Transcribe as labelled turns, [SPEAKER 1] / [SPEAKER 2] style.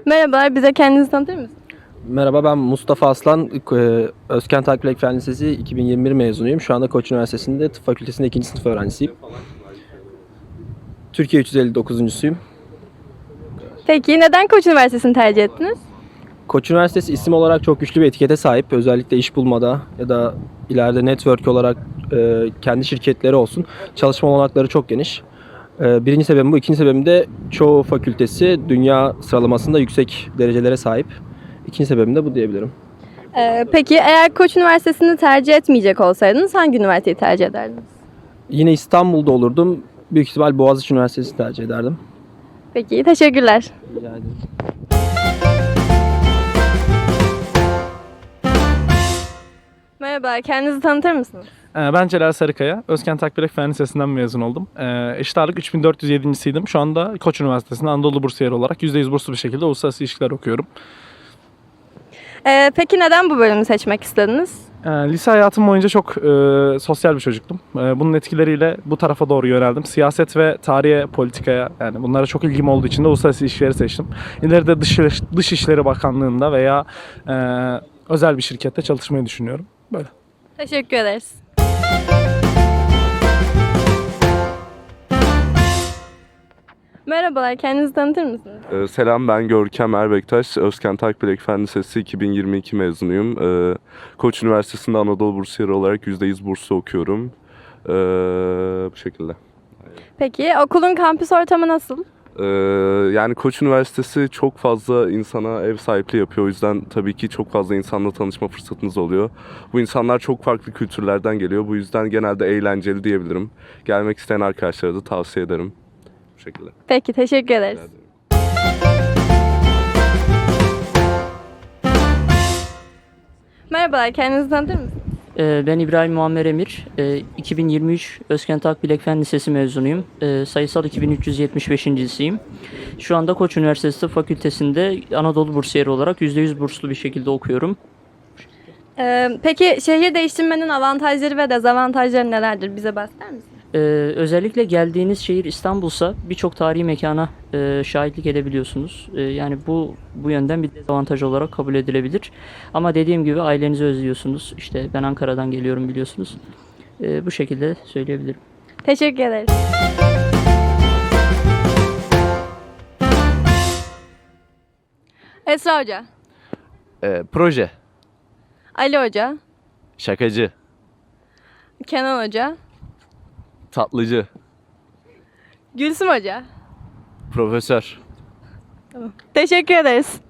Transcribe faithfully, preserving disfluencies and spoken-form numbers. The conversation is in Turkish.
[SPEAKER 1] Merhabalar, bize kendinizi tanıtır mısınız?
[SPEAKER 2] Merhaba, ben Mustafa Aslan. Ee, Özkent Akbilek Fen Lisesi iki bin yirmi bir mezunuyum. Şu anda Koç Üniversitesi'nde tıp fakültesinde ikinci sınıf öğrencisiyim. Türkiye üç yüz elli dokuzuncusuyum.
[SPEAKER 1] Peki neden Koç Üniversitesi'ni tercih ettiniz?
[SPEAKER 2] Koç Üniversitesi isim olarak çok güçlü bir etikete sahip. Özellikle iş bulmada ya da ileride network olarak e, kendi şirketleri olsun. Çalışma olanakları çok geniş. E, birinci sebebim bu. İkinci sebebim de çoğu fakültesi dünya sıralamasında yüksek derecelere sahip. İkinci sebebim de bu diyebilirim.
[SPEAKER 1] Ee, peki eğer Koç Üniversitesi'ni tercih etmeyecek olsaydınız hangi üniversiteyi tercih ederdiniz?
[SPEAKER 2] Yine İstanbul'da olurdum. Büyük ihtimal Boğaziçi Üniversitesi'ni tercih ederdim.
[SPEAKER 1] Peki, teşekkürler.
[SPEAKER 2] Rica ederim.
[SPEAKER 1] Merhaba, kendinizi tanıtır mısınız?
[SPEAKER 3] Ee, Ben Celal Sarıkaya, Özkent Akbilek Fen Lisesi'nden mezun oldum. Ee, eşit ağırlık üç bin dört yüz yedincisiydim. Şu anda Koç Üniversitesi'nde Anadolu Bursiyeri olarak yüzde yüz burslu bir şekilde uluslararası ilişkiler okuyorum.
[SPEAKER 1] Ee, peki neden bu bölümü seçmek istediniz?
[SPEAKER 3] Ee, lise hayatım boyunca çok e, sosyal bir çocuktum. E, bunun etkileriyle bu tarafa doğru yöneldim. Siyaset ve tarihe, politikaya, yani bunlara çok ilgim olduğu için de uluslararası ilişkileri seçtim. İleride dış, Dışişleri Bakanlığı'nda veya e, özel bir şirkette çalışmayı düşünüyorum. Böyle.
[SPEAKER 1] Teşekkür ederiz. Merhabalar, kendinizi tanıtır mısınız?
[SPEAKER 4] Ee, Selam, ben Görkem Erbektaş. Özkent Akbilek Fen Lisesi iki bin yirmi iki mezunuyum. Ee, Koç Üniversitesi'nde Anadolu Bursiyeri olarak yüzde yüz burslu okuyorum. Ee, bu şekilde.
[SPEAKER 1] Peki okulun kampüs ortamı nasıl?
[SPEAKER 4] Ee, yani Koç Üniversitesi çok fazla insana ev sahipliği yapıyor. O yüzden tabii ki çok fazla insanla tanışma fırsatınız oluyor. Bu insanlar çok farklı kültürlerden geliyor. Bu yüzden genelde eğlenceli diyebilirim. Gelmek isteyen arkadaşlara da tavsiye ederim. Bu şekilde.
[SPEAKER 1] Peki, teşekkür ederiz.
[SPEAKER 4] Rica ederim.
[SPEAKER 1] Merhabalar, kendinizi tanıtır mısınız?
[SPEAKER 5] Ee, Ben İbrahim Muammer Emir. Ee, iki bin yirmi üç Özkent Akbilek Fen Lisesi mezunuyum. Ee, Sayısal iki bin üç yüz yetmiş beşincisiyim. Şu anda Koç Üniversitesi Tıp Fakültesi'nde Anadolu Bursiyeri olarak yüzde yüz burslu bir şekilde okuyorum.
[SPEAKER 1] Ee, peki şehir değiştirmenin avantajları ve dezavantajları nelerdir? Bize bahseder misiniz?
[SPEAKER 5] Ee, Özellikle geldiğiniz şehir İstanbul'sa birçok tarihi mekana e, şahitlik edebiliyorsunuz. Ee, yani bu bu yönden bir dezavantaj olarak kabul edilebilir. Ama dediğim gibi ailenizi özlüyorsunuz. İşte ben Ankara'dan geliyorum biliyorsunuz. Ee, bu şekilde söyleyebilirim.
[SPEAKER 1] Teşekkür ederiz. Esra Hoca,
[SPEAKER 6] Ee, proje,
[SPEAKER 1] Ali Hoca,
[SPEAKER 6] şakacı,
[SPEAKER 1] Kenan Hoca,
[SPEAKER 6] tatlıcı,
[SPEAKER 1] Gülsüm Hoca.
[SPEAKER 6] profesör.
[SPEAKER 1] Teşekkür ederiz.